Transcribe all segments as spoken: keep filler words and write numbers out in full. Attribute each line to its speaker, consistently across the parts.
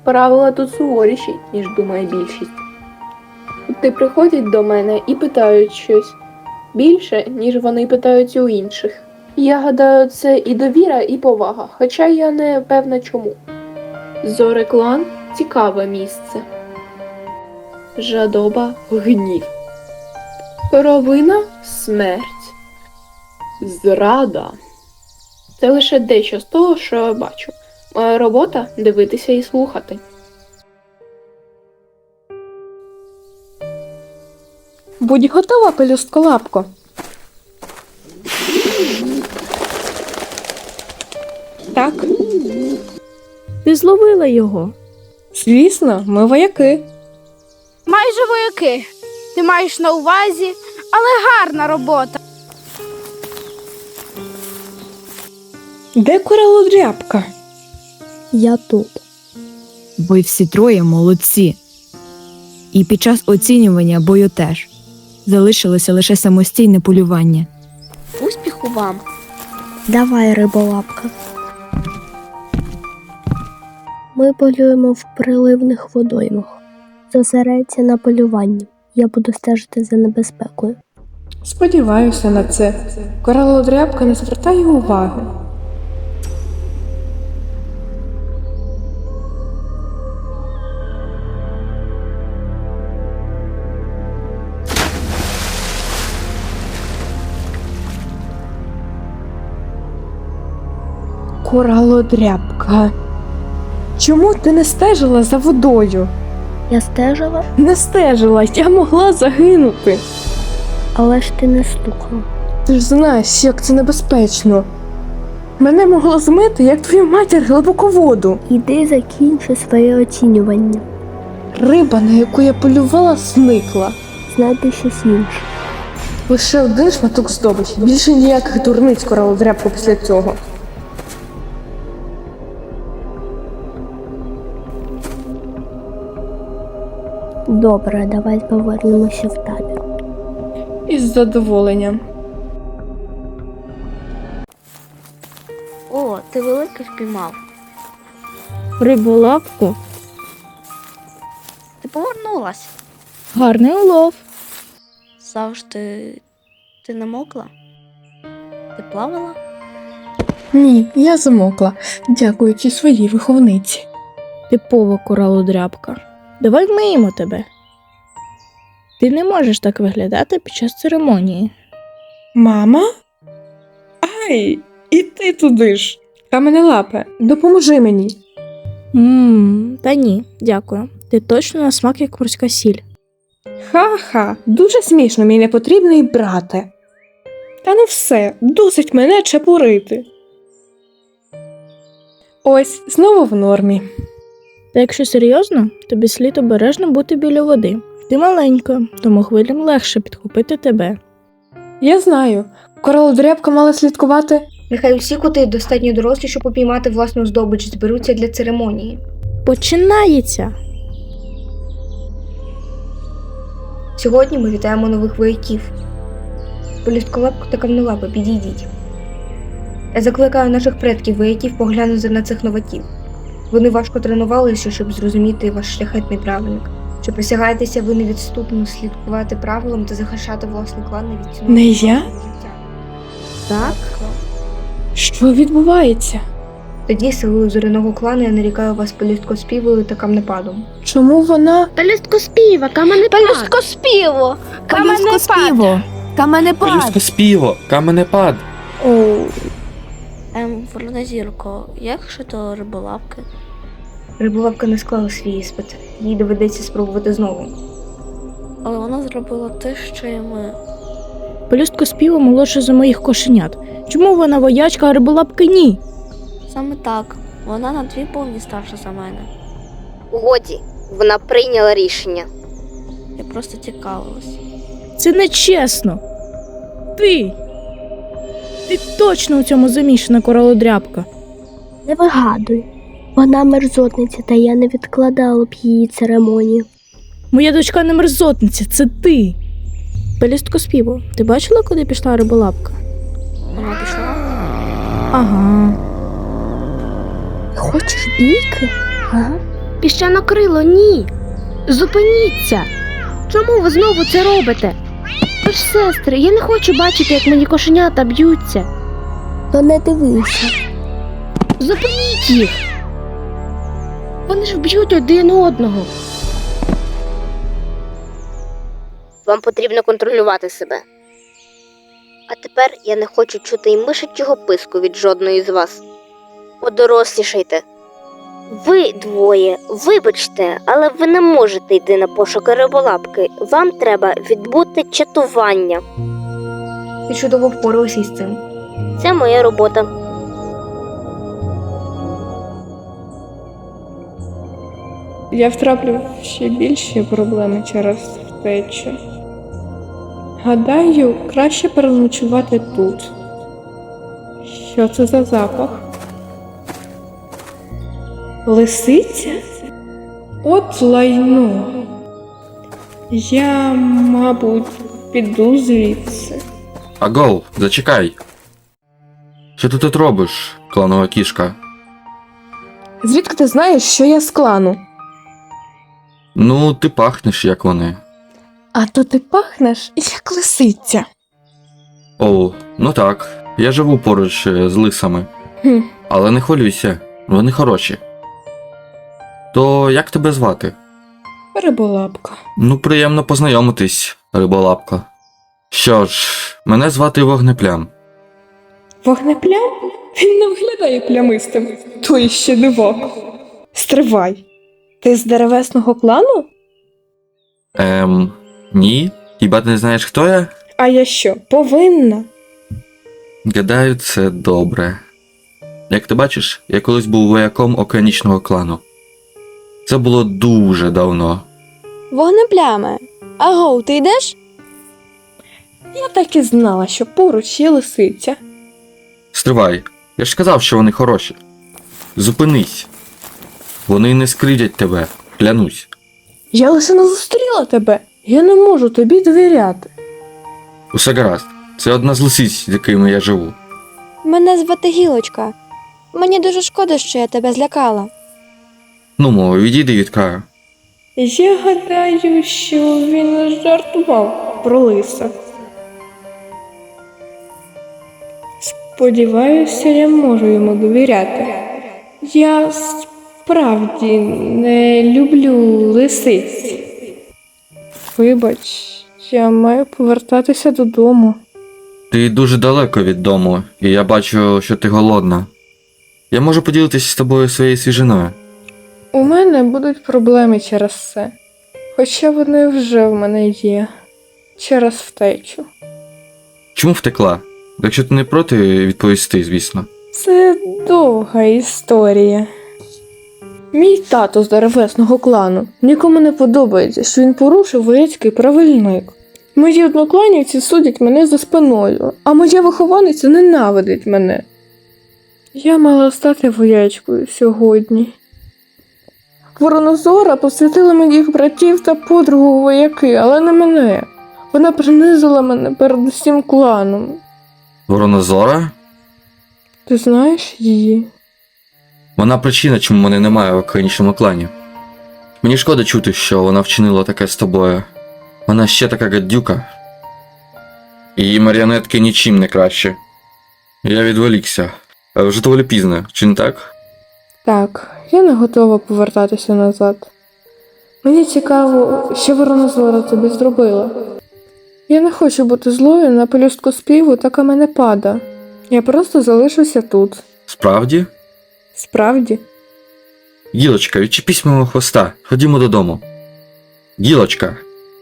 Speaker 1: Правила тут суворіші, ніж думає більшість. Ти приходять до мене і питають щось більше, ніж вони питають у інших. Я гадаю, це і довіра, і повага, хоча я не певна чому. Зореклан – цікаве місце. Жадоба – гнів. Провина – смерть. Зрада. Це лише дещо з того, що я бачу. Моя робота – дивитися і слухати.
Speaker 2: Будь готова, пелюстколапко. Так,
Speaker 3: Ти зловила його.
Speaker 2: звісно, ми вояки.
Speaker 4: Майже вояки. Ти маєш на увазі, але гарна робота.
Speaker 2: Де коралодрябка?
Speaker 3: Я тут.
Speaker 5: Ви всі троє молодці. І під час оцінювання бою теж. Залишилося лише самостійне полювання.
Speaker 4: Успіху вам.
Speaker 3: Давай, риболапка. Ми полюємо в приливних водоймах. Зосередься на полюванні. Я буду стежити за небезпекою.
Speaker 2: Сподіваюся на це. Коралодрябка не звертає уваги. Коралодрябка. Чому ти не стежила за водою?
Speaker 3: Я стежила,
Speaker 2: Не стежила, я могла загинути.
Speaker 3: але ж ти не слухала.
Speaker 2: Ти ж знаєш, як це небезпечно. Мене могло змити, як твою матір, глибоководу.
Speaker 3: Іди закінчи своє оцінювання.
Speaker 2: Риба, на яку я полювала, зникла.
Speaker 3: Знайди щось інше.
Speaker 2: Лише один шматок здобичі. Більше ніяких дурниць коралодрябку після цього.
Speaker 3: Добре, давай повернемося в табір.
Speaker 2: Із задоволенням.
Speaker 4: О, ти велике впіймав.
Speaker 3: Риболапку?
Speaker 4: Ти повернулась.
Speaker 3: Гарний улов.
Speaker 4: Завжди ти не мокла? Ти плавала?
Speaker 2: Ні, я замокла, дякуючи своїй виховниці.
Speaker 3: Типова коралодрябка. Давай вмиємо тебе. Ти не можеш так виглядати під час церемонії.
Speaker 2: Мама? Ай, і ти туди ж. Каменелапе, допоможи мені.
Speaker 3: Ммм, та ні, дякую. Ти точно на смак як морська сіль.
Speaker 2: Ха-ха, дуже смішно, мій непотрібний брате. Та ну все, досить мене чепурити. Ось, знову в нормі.
Speaker 3: Та якщо серйозно, тобі слід обережно бути біля води. Ти маленька, тому хвилям легше підхопити тебе.
Speaker 2: Я знаю, коралодрябка мала слідкувати.
Speaker 6: Нехай усі коти достатньо дорослі, щоб упіймати власну здобич, зберуться для церемонії.
Speaker 3: Починається!
Speaker 6: Сьогодні ми вітаємо нових вояків. Полюстколапку та камнелапи, підійдіть. Я закликаю наших предків вояків поглянути на цих новаків. Вони важко тренувалися, щоб зрозуміти ваш шляхетний правильник. Чи присягаєтеся ви невідступно слідкувати правилам та захищати власний клан не від цього?
Speaker 2: Не я?
Speaker 3: Так?
Speaker 2: Що відбувається?
Speaker 6: Тоді силою зоряного клану я нарікаю вас полюсткоспівою та камнепадом.
Speaker 2: Чому вона...
Speaker 4: Пелюсткоспіва, каменепад. Пелюсткоспіво,
Speaker 5: Пелюсткоспіво! Каменепад!
Speaker 7: Пелюсткоспіво, каменепад.
Speaker 2: Оу,
Speaker 4: Ем, Воронозірко, як щодо риболапки?
Speaker 6: Риболапка не склала свій іспит. Їй доведеться спробувати знову.
Speaker 4: Але вона зробила те, що і ми.
Speaker 3: Пелюстко співа молодша за моїх кошенят. Чому вона воячка, а риболапки ні?
Speaker 4: Саме так. Вона на дві повні старша за мене.
Speaker 8: Годі, вона прийняла рішення.
Speaker 4: Я просто цікавилась.
Speaker 3: Це нечесно. Ти! Ти точно у цьому замішана, коралодрябка. Не вигадуй. Вона мерзотниця, та я не відкладала б її церемонію. Моя дочка не мерзотниця, це ти. Пелюстко співу, ти бачила, куди пішла риболапка?
Speaker 4: Вона пішла?
Speaker 3: Ага. Хочеш бійки? Ага.
Speaker 4: Піщанокрило, ні. Зупиніться. Чому ви знову це робите? Ви ж сестри, я не хочу бачити, як мені кошенята б'ються.
Speaker 3: То не дивися.
Speaker 4: Зупиніть їх. Вони ж вб'ють один одного.
Speaker 8: Вам потрібно контролювати себе. А тепер я не хочу чути й мишачого писку від жодної з вас. Подорослішайте. Ви двоє, вибачте, але ви не можете йти на пошуки риболапки. Вам треба відбути чатування.
Speaker 6: Ти чудово впоралася із цим.
Speaker 8: Це моя робота.
Speaker 2: Я втраплю в ще більші проблеми через втечу. Гадаю, краще переночувати тут. Що це за запах? Лисиця? От лайно. Я, мабуть, піду звідси.
Speaker 7: Агов, зачекай. Що ти тут робиш, кланова кішка?
Speaker 2: Звідки ти знаєш, що я з клану?
Speaker 7: Ну, ти пахнеш, як вони.
Speaker 2: А то ти пахнеш, як лисиця.
Speaker 7: О, ну так, я живу поруч е, з лисами.
Speaker 2: Хм.
Speaker 7: Але не хвилюйся, вони хороші. То як тебе звати?
Speaker 2: Риболапка.
Speaker 7: Ну, приємно познайомитись, риболапка. Що ж, мене звати Вогнеплям.
Speaker 2: Вогнеплям? Він не виглядає плямистим. То іще диво. Стривай. Ти з деревесного клану?
Speaker 7: Ем, ні? Хіба ти не знаєш, хто я?
Speaker 2: А я що, повинна?
Speaker 7: Гадаю, це добре. Як ти бачиш, я колись був вояком океанічного клану. Це було дуже давно.
Speaker 9: Вогнепляме. Агов, ти йдеш?
Speaker 2: Я так і знала, що поруч є лисиця.
Speaker 7: Стривай, я ж сказав, що вони хороші. Зупинись. Вони не скривдять тебе, клянусь.
Speaker 2: Я лише не зустріла тебе. Я не можу тобі довіряти.
Speaker 7: Усе гаразд. Це одна з лисиць, з якими я живу.
Speaker 9: Мене звати Гілочка. Мені дуже шкода, що я тебе злякала.
Speaker 7: Ну, мо, відійди від краю.
Speaker 2: Я гадаю, що він жартував про лиса. Сподіваюся, я можу йому довіряти. Я справді не люблю лисиць. Вибач, я маю повертатися додому.
Speaker 7: Ти дуже далеко від дому, і я бачу, що ти голодна. Я можу поділитися з тобою своєю свіжиною.
Speaker 2: У мене будуть проблеми через це. Хоча вони вже в мене є. Через втечу.
Speaker 7: Чому втекла? Якщо ти не проти, відповісти, звісно.
Speaker 2: Це довга історія. Мій тато з деревесного клану. Нікому не подобається, що він порушив вояцький правильник. Мої однокланівці судять мене за спиною, а моя вихованиця ненавидить мене. Я мала стати воячкою сьогодні. Воронозора посвятила моїх братів та подругу у вояки, але не мене. Вона принизила мене перед усім кланом.
Speaker 7: Воронозора?
Speaker 2: Ти знаєш її?
Speaker 7: Вона причина, чому мене немає в океанічному клані. Мені шкода чути, що вона вчинила таке з тобою. Вона ще така гадюка. Її маріонетки нічим не краще. Я відволікся. А вже доволі пізно, чи не так?
Speaker 2: Так, я не готова повертатися назад. Мені цікаво, що Воронозора тобі зробила. Я не хочу бути злою на пелюстку співу та каменепада. Я просто залишуся тут.
Speaker 7: Справді?
Speaker 2: Справді?
Speaker 7: Гілочка, відчепись мого хвоста. Ходімо додому. Гілочка.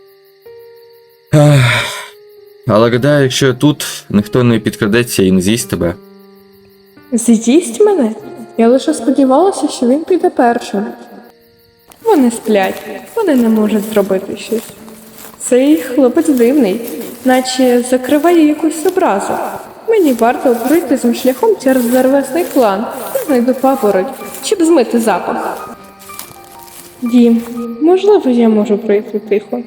Speaker 7: Ех. Але гадаю, якщо я тут, ніхто не підкрадеться і не з'їсть тебе.
Speaker 2: З'їсть мене? Я лише сподівалася, що він піде першим. Вони сплять, вони не можуть зробити щось. Цей хлопець дивний, наче закриває якусь образу. Мені варто пройти цим шляхом через деревесний клан. Я знайду папороть, щоб змити запах. Дім, можливо, я можу пройти тихо.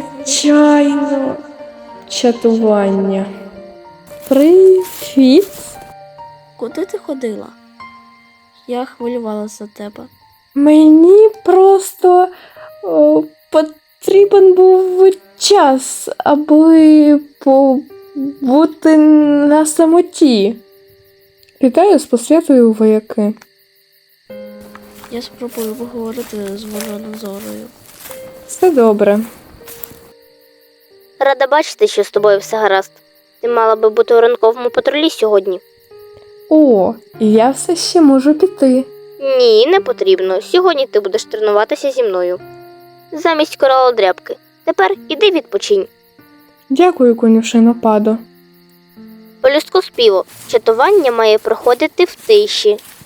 Speaker 2: Звичайно, чатування. Привіт.
Speaker 3: Куди ти ходила? Я хвилювалася за тебе.
Speaker 2: Мені просто о, потрібен був час, аби побути на самоті. Вітаю з посвятою у вояки.
Speaker 3: Я спробую поговорити з Воронозорою.
Speaker 2: Все добре.
Speaker 8: Рада бачити, що з тобою все гаразд. Ти мала би бути у ранковому патрулі сьогодні.
Speaker 2: О, я все ще можу піти.
Speaker 8: Ні, не потрібно. Сьогодні ти будеш тренуватися зі мною. Замість коралодрябки. Тепер іди відпочинь.
Speaker 2: Дякую, конюшино Падо.
Speaker 8: Полюстку співу. Чатування має проходити в тиші.